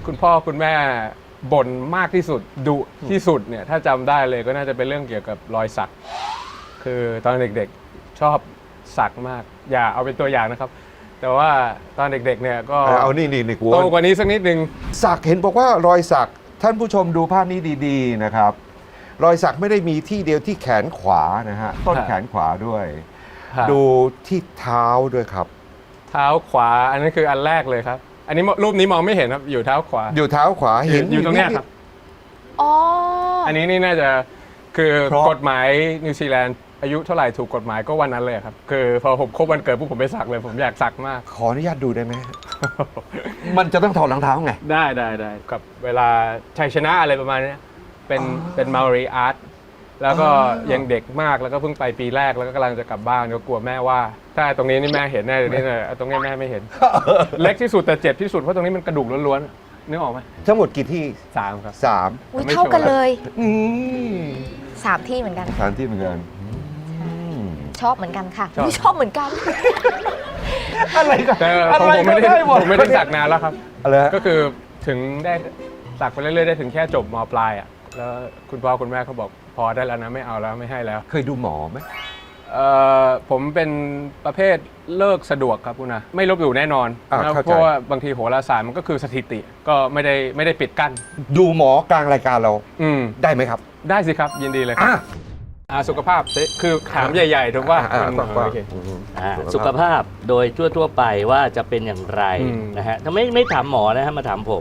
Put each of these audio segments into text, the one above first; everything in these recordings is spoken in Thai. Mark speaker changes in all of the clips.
Speaker 1: คุณพ่อคุณแม่บ่นมากที่สุดดุที่สุดเนี่ยถ้าจำได้เลยก็น่าจะเป็นเรื่องเกี่ยวกับรอยสักคือตอนเด็กๆชอบสักมากอย่าเอาเป็นตัวอย่างนะครับแต่ว่าตอนเด็กๆเนี่ยก็
Speaker 2: เอานี่กู
Speaker 1: โตกว่านี้สักนิดนึง
Speaker 2: สักเห็นบอกว่ารอยสักท่านผู้ชมดูภาพนี้ดีๆนะครับรอยสักไม่ได้มีที่เดียวที่แขนขวานะฮะต้นแขนขวาด้วย ดูที่เท้าด้วยครับ
Speaker 1: เท้าขวาอันนั้นคืออันแรกเลยครับอันนี้รูปนี้มองไม่เห็นครับอยู่เท้าขวา
Speaker 2: อยู่เท้าขวาเห็น
Speaker 1: อยู่ตรงเนี้ยครับ
Speaker 3: อ๋อ
Speaker 1: อันนี้นี่น่าจะคือ
Speaker 2: เพราะ
Speaker 1: กฎหมายนิวซีแลนด์อายุเท่าไหร่ถูกกฎหมายก็วันนั้นเลยครับคือพอผมครบวันเกิดปุ๊บผมไปสักเลยผมอยากสักมาก
Speaker 2: ขออนุญาตดูได้ไหม มันจะต้องถอดรองเท้าไง
Speaker 1: ได้กับเวลาชัยชนะอะไรประมาณนี้เป็นมารีอาร์ตแล้วก็ยังเด็กมากแล้วก็เพิ่งไปปีแรกแล้วก็กำลังจะกลับบ้านก็กลัวแม่ว่า ถ้าตรงนี้นี่แม่เห็นแน่เลยนี่เลยตรงนี้แม่ไม่เห็น เล็กที่สุดแต่เจ็บที่สุดเพราะตรงนี้มันกระดูกล้วนๆนึกออกไหม
Speaker 2: ทั้งหมดกี่ที่
Speaker 1: 3ครับ
Speaker 2: 3
Speaker 3: อุ้ยเท่ากันเลย
Speaker 2: อืม
Speaker 3: 3 ที่เหมือนกัน
Speaker 2: สถานที่เหมือนกัน
Speaker 3: ชอบเหมือนกันค่ะไม่ชอบเหมือนกัน
Speaker 2: อะไรกัน
Speaker 1: แต่ของผมไม่ได้สักนานแล้วครับ
Speaker 2: อะไรฮะ
Speaker 1: ก็คือถึงได้สักไปเรื่อยๆได้ถึงแค่จบม.ปลายอ่ะแล้วคุณพ่อคุณแม่เขาบอกพอได้แล้วนะไม่เอาแล้วไม่ให้แล้ว
Speaker 2: เคยดูหมอไหม
Speaker 1: ผมเป็นประเภทเลิกสะดวกครับคุณนะไม่ลบหลู่แน่นอนนะเพราะว่าบางทีโหราศาสตร์มันก็คือสถิติก็ไม่ได้ปิดกั้น
Speaker 2: ดูหมอกลางรายการเรา ได้ไหมครับ
Speaker 1: ได้สิครับยินดีเลยครับสุขภาพคือถามใหญ่ๆถูกว่า
Speaker 2: โอเค
Speaker 4: สุขภาพโดยทั่วๆไปว่าจะเป็นอย่างไร
Speaker 1: อืม
Speaker 4: นะฮะถ้าไม่ถามหมอนะฮะมาถามผม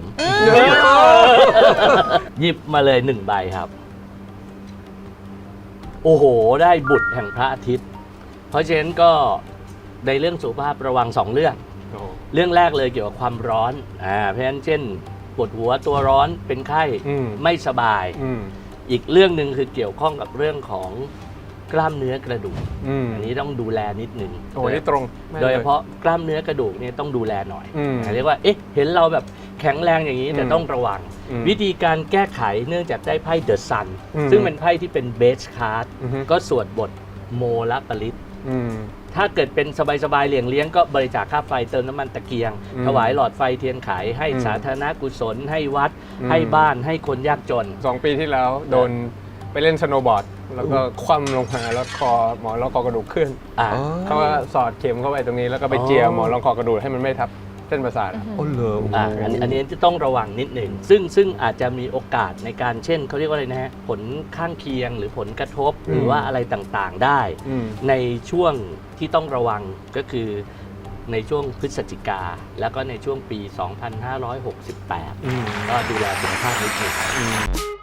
Speaker 4: หยิบมาเลย1 ใบครับ โอ้โห ได้บุตรแห่งพระอาทิตย์ เพราะฉะนั้นก็ในเรื่องสุขภาพระวัง2 เรื่อง เรื่องแรกเลยเกี่ยวกับความร้อนเพราะฉะนั้นเช่นปวดหัวตัวร้อนเป็นไข้ไม่สบาย อีกเรื่องหนึ่งคือเกี่ยวข้องกับเรื่องของกล้ามเนื้อกระดูกอันนี้ต้องดูแลนิดหนึ่ง
Speaker 1: โอ้นี่ตรง
Speaker 4: โดยเฉพาะกล้ามเนื้อกระดูกเนี่ยต้องดูแลหน่อยเรียกว่าเอ๊ะเห็นเราแบบแข็งแรงอย่างนี้แต่ต้องระวัง วิธีการแก้ไขเนื่องจากได้ไพ่เดอะซันซึ่งเป็นไพ่ที่เป็นเบสคาร์ดก็สวดบทโมละปริตถ้าเกิดเป็นสบายๆเลี้ยงก็บริจาคค่าไฟเติมน้ำมันตะเกียง ถวายหลอดไฟเทียนไขให้สาธารณกุศลให้วัดให้บ้านให้คนยากจน
Speaker 1: 2 ปีที่แล้วโดนไปเล่นสโนว์บอร์ดแล้วก็คว่ำลงมาแล้วหมอนรองคอกระดูกขึ้นเขาก็สอดเข็มเข้าไปตรงนี้แล้วก็ไปเจียหมอนรองคอกระดูกให้มันไม่ทับเส้นประสาท
Speaker 2: โอ้เหรอ
Speaker 4: อันนี้จะต้องระวังนิดหนึ่งซึ่งอาจจะมีโอกาสในการเช่นเขาเรียกว่าอะไรนะฮะผลข้างเคียงหรือผลกระทบหรือว่าอะไรต่างๆได้ ในช่วงที่ต้องระวังก็คือในช่วงพฤศจิกาแล้วก็ในช่วงปี 2568 ก็ดูแลสุขภาพนิดหนึ่ง